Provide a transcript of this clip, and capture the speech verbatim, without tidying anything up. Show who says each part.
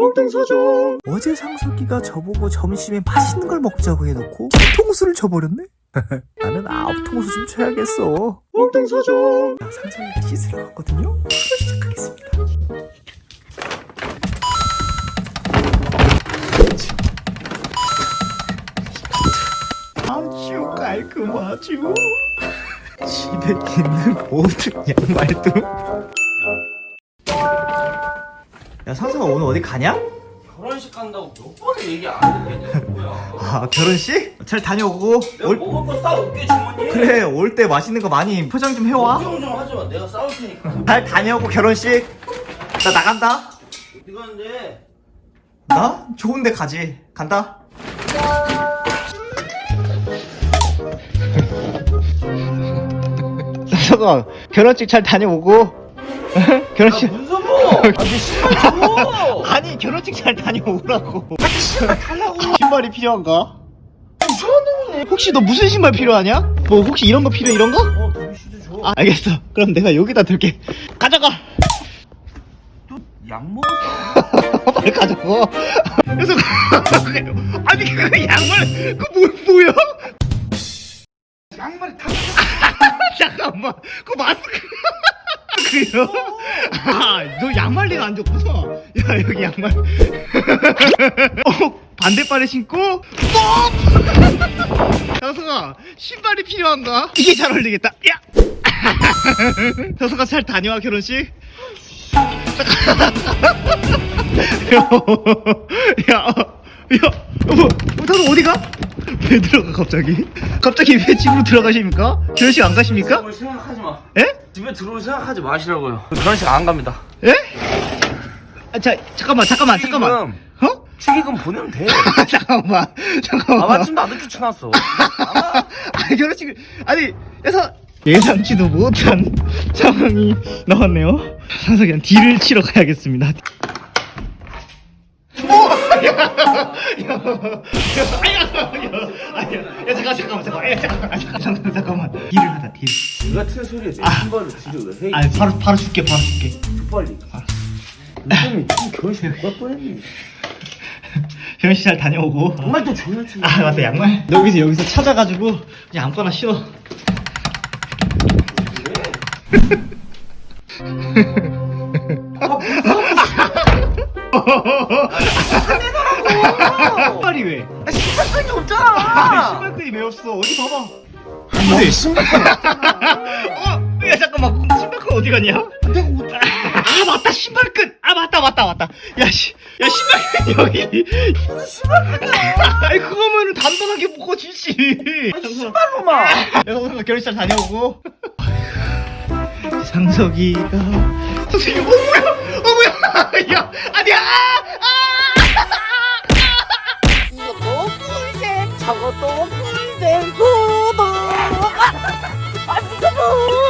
Speaker 1: 몽땅 사줘.
Speaker 2: 어제 상석이가 저보고 점심에 맛있는 걸 먹자고 해놓고 통수를 쳐버렸네? 나는 아홉 통수 좀 쳐야겠어.
Speaker 1: 몽땅 사줘.
Speaker 2: 자, 상석이가 씻으러 갔거든요? 바로 시작하겠습니다. 아주 깔끔하죠? 집에 있는 모든 양말도. 야, 상석아 오늘 어디 가냐?
Speaker 1: 결혼식 간다고 몇 번을 얘기 안 했겠냐 뭐야.
Speaker 2: 아, 결혼식? 잘 다녀오고.
Speaker 1: 내가
Speaker 2: 올...
Speaker 1: 먹을 거 싸올게 주머니.
Speaker 2: 그래, 올 때 맛있는 거 많이 포장 좀 해와.
Speaker 1: 걱정 좀 하지마. 내가 싸울 테니까.
Speaker 2: 잘 다녀오고 결혼식. 나 나간다.
Speaker 1: 어디 가는데?
Speaker 2: 나? 좋은 데 가지. 간다. 상석아, 결혼식 잘 다녀오고. 결혼식.
Speaker 1: 야 문서보. 아내 신발 줘.
Speaker 2: 아니, 결혼식 잘 다녀오라고. 신발 달라고. 신발이 필요한가?
Speaker 1: 이상한 놈이네.
Speaker 2: 혹시 너 무슨 신발 필요하냐? 뭐 혹시 이런 거 필요해, 이런 거?
Speaker 1: 어 도비씨도 줘.
Speaker 2: 아, 알겠어. 그럼 내가 여기다 둘게. 가져가.
Speaker 1: 약 먹었어.
Speaker 2: 빨리 가져가. 그래서 아니 그 양말 그 뭐, 뭐야?
Speaker 1: 양말이 다.
Speaker 2: 잠깐만 그 마스크 그요? 아너 양말리가 안 줬구나. 야 여기 양말. 어 반대발에 신고 뻑. 여서가 신발이 필요한가? 이게 잘 어울리겠다. 야. 여서가 잘 다녀와 결혼식. 야, 야, 야, 뭐, 다들 어디 가? 왜 들어가 갑자기? 갑자기 왜 집으로 들어가십니까? 결혼식 안 가십니까?
Speaker 1: 그걸 생각하지 마.
Speaker 2: 에?
Speaker 1: 집에 들어올 생각하지 마시라고요. 결혼식 안 갑니다.
Speaker 2: 에? 아, 자, 잠깐만, 잠깐만, 잠깐만.
Speaker 1: 축의금.
Speaker 2: 어?
Speaker 1: 축의금 보내면 돼.
Speaker 2: 잠깐만, 잠깐만.
Speaker 1: 아 마침 나도 귀찮았어. 아마
Speaker 2: 아, 결혼식을 아니, 그래서 예상치도 못한 상황이 나왔네요. 상석이랑 딜을 치러 가야겠습니다. 오! 야! 야! 야! 야! 야, 잠깐, 잠깐만, 잠깐만. 야, 잠깐만, 잠깐만, 잠깐만. 딜을 하자, 딜.
Speaker 1: 이 같은 소리에 내
Speaker 2: 아.
Speaker 1: 신발을 뒤로 왜 해?
Speaker 2: 아니, 바로, 바로 줄게, 바로 줄게.
Speaker 1: 빨리. 요즘에 좀 결혼식 못 갈 뻔했네.
Speaker 2: 결혼식 잘 다녀오고.
Speaker 1: 정말 또 존나 치.
Speaker 2: 아, 맞다, 양말. 여기서, 여기서 찾아가지고, 그냥 아무거나 신어. 신발이 왜?
Speaker 1: 아, 신발끈이
Speaker 2: 아,
Speaker 1: 없잖아.
Speaker 2: 신발끈이 왜 없어? 어디 봐봐.
Speaker 1: 너 신발끈.
Speaker 2: 어? 야 잠깐만 신발끈 어디 갔냐?
Speaker 1: 내가 어떻게?
Speaker 2: 아 맞다 신발끈. 아 맞다 맞다 맞다. 야씨 야 신발끈 여기.
Speaker 1: 무슨 신발끈이야?
Speaker 2: 아이 그거면은 단단하게 묶어주지.
Speaker 1: 아니 신발로만.
Speaker 2: 여성가 결혼식 잘 다녀오고. 상석이가 상석이 어 뭐야? 어 뭐야? 야 아니야.
Speaker 3: 이것도 꿀잼 저것도 꿀잼 구독 아, 아, 무서워.